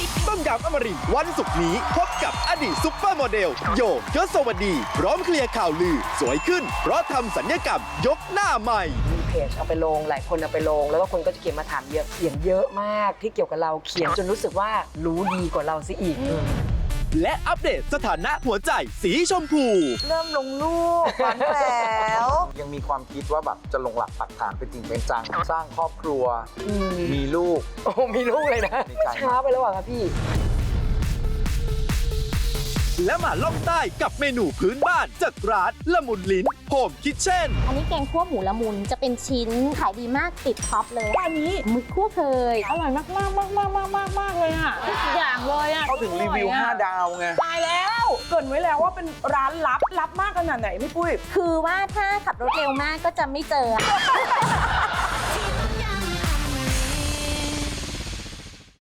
ต้มยำอมรินทร์วันศุกร์นี้พบกับอดีตซุปเปอร์โมเดลโยยศวดีพร้อมเคลียร์ข่าวลือสวยขึ้นเพราะทำสัญญกรรมยกหน้าใหม่มีเพจเอาไปลงหลายคนเอาไปลงแล้วก็คนก็จะเขียนมาถามเยอะเขียนเยอะมากที่เกี่ยวกับเราเขียนจนรู้สึกว่ารู้ดีกว่าเราซะอีกและอัปเดตสถานะหัวใจสีชมพูเริ่มลงรูปฝันแล้วยังมีความคิดว่าแบบจะลงหลักปักฐานเป็นจริงเป็นจังสร้างครอบครัวมีลูกโอ้มีลูกเลยนะมีใจช้าไปแล้วอ่ะครับพี่และมาล่องใต้กับเมนูพื้นบ้านจากร้านละมุนลิ้นโฮมคิทเช่นอันนี้แกงคั่วหมูละมุนจะเป็นชิ้นขายดีมากติดท็อปเลยอันนี้หมึกคั่วเคยอร่อยมากเลยอ่ะทุกอย่างเลยอ่ะเขาถึงรีวิว 5 ดาวไงตายแล้วเกรินไว้แล้วว่าเป็นร้านลับมากขนาดไหนพี่ปุ้ยคือว่าถ้าขับรถเร็วมากก็จะไม่เจอ